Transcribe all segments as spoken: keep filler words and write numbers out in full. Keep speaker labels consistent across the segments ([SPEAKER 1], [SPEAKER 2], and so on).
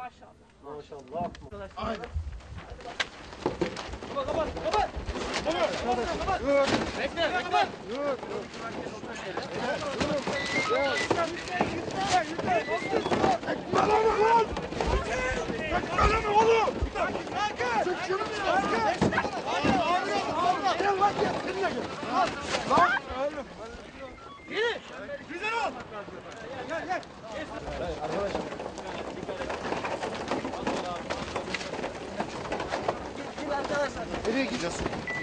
[SPEAKER 1] Maşallah. Maşallah.
[SPEAKER 2] Aynen.
[SPEAKER 1] Kapat kapat kapat. Kapat kapat. Dur. Bekle bekle. Dur.
[SPEAKER 2] Kalama lan! Kalama oğlum! Çık şunu! Gel lan gel! Seninle gel! Lan!
[SPEAKER 1] Yürü.
[SPEAKER 2] Güzel ol! Gel gel!
[SPEAKER 1] Arkadaşlar. Gel arkadaşlar.
[SPEAKER 2] Nereye gideceğiz?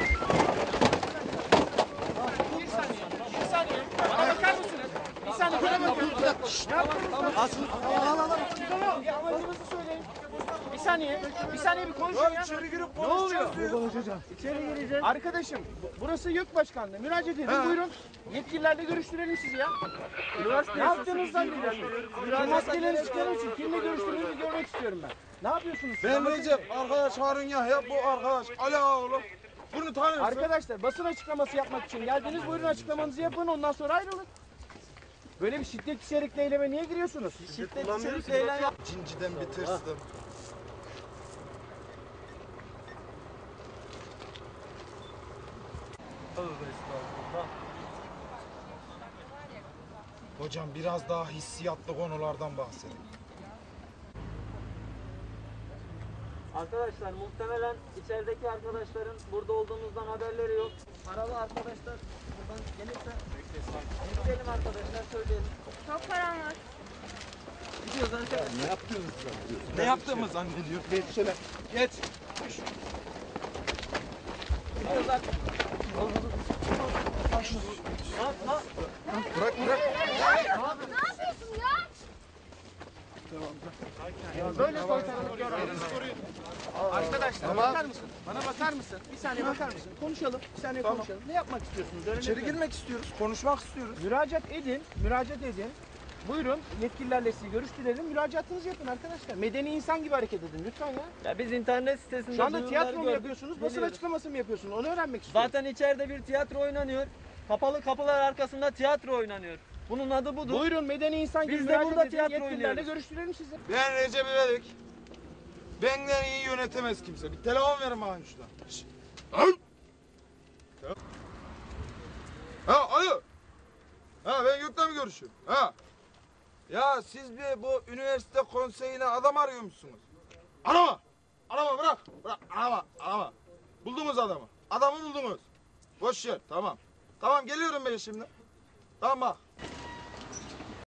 [SPEAKER 1] Bir saniye. Bir saniye. Bana bakar mısınız? Bir saniye bana bakın. Ne yaptınız?
[SPEAKER 2] Al al al!
[SPEAKER 1] Bir amacınızı söyleyin. Bir saniye. Bir saniye bir konuşun ya.
[SPEAKER 2] İçeri girip
[SPEAKER 1] Ne oluyor?
[SPEAKER 2] konuşacağız. Konuşacağız.
[SPEAKER 1] İçeri gireceğiz. Arkadaşım bu- burası YÖK Başkanlığı. Müracaat edin.
[SPEAKER 2] He.
[SPEAKER 1] Buyurun. Yetkililerle görüştürelim sizi ya. Ne yaptığınızı zannediyorsunuz? Şu maskeleri çıkarın için kimle görüştüğünüzü görmek istiyorum ben. Ne yapıyorsunuz siz?
[SPEAKER 2] Ben
[SPEAKER 1] Anlatın.
[SPEAKER 2] Recep, arkadaş Harun Yahya, bu arkadaş Ali Ağoğlu. Bunu tanıyorsun.
[SPEAKER 1] Arkadaşlar basın açıklaması yapmak için geldiniz. Buyurun açıklamanızı yapın. Ondan sonra ayrılın. Böyle bir şiddet içerikli eyleme niye giriyorsunuz? Şiddet içerikli eylem yap.
[SPEAKER 2] Cinciden bir tırstım. Hocam biraz daha hissiyatlı konulardan bahsedin.
[SPEAKER 3] Arkadaşlar muhtemelen içerideki arkadaşların burada olduğumuzdan haberleri yok. Paralı arkadaşlar buradan gelirse bekleyelim arkadaşlar, söyleyelim.
[SPEAKER 4] Çok param var.
[SPEAKER 3] Gidiyoruz arkadaşlar.
[SPEAKER 2] Ne yaptığımı zannediyor? Geç şöyle. Geç.
[SPEAKER 3] Gidiyoruz arkadaşlar. Lan lan.
[SPEAKER 2] Bırak bırak.
[SPEAKER 4] Ne yapıyorsun ya?
[SPEAKER 1] Böyle soytarılık görmedim. Arkadaşlar bakar mısın? Bana bakar mısın? Bir saniye bakar mısın? Konuşalım. Bir saniye
[SPEAKER 2] Tamam.
[SPEAKER 1] konuşalım. Ne yapmak istiyorsunuz? Öğrenebilir
[SPEAKER 2] İçeri
[SPEAKER 1] miyim?
[SPEAKER 2] girmek istiyoruz. Konuşmak istiyoruz.
[SPEAKER 1] Müracaat edin. Müracaat edin. Buyurun yetkililerle sizi görüştürelim. Müracaatınızı yapın arkadaşlar. Medeni insan gibi hareket edin lütfen ya.
[SPEAKER 3] Ya biz internet sitesinde
[SPEAKER 1] Şu anda
[SPEAKER 3] duyuruları
[SPEAKER 1] tiyatro mu
[SPEAKER 3] gördük,
[SPEAKER 1] yapıyorsunuz? Basın
[SPEAKER 3] geliyoruz.
[SPEAKER 1] açıklaması mı yapıyorsunuz? Onu öğrenmek istiyorum.
[SPEAKER 3] Zaten içeride bir tiyatro oynanıyor. Kapalı kapılar arkasında tiyatro oynanıyor. Bunun adı budur.
[SPEAKER 1] Buyurun medeni insan gibi
[SPEAKER 3] Biz de
[SPEAKER 1] müracaat
[SPEAKER 3] burada
[SPEAKER 1] edin.
[SPEAKER 3] tiyatro
[SPEAKER 1] Yetkililerle
[SPEAKER 3] oynuyoruz.
[SPEAKER 1] görüştürelim sizi.
[SPEAKER 2] Ben Recep İvedik. Benden iyi yönetemez kimse. Bir telefon verin bana şuradan. Şşş. Al. Ha alo. Ha ben Gök'le mi görüşüyorum? Ha. Ya siz bir bu üniversite konseyine adam arıyor musunuz? Arama. Arama bırak. Bırak. Arama. Arama. Buldunuz adamı. Adamı buldunuz. Boş ver. Tamam. Tamam geliyorum ben şimdi. Tamam bak.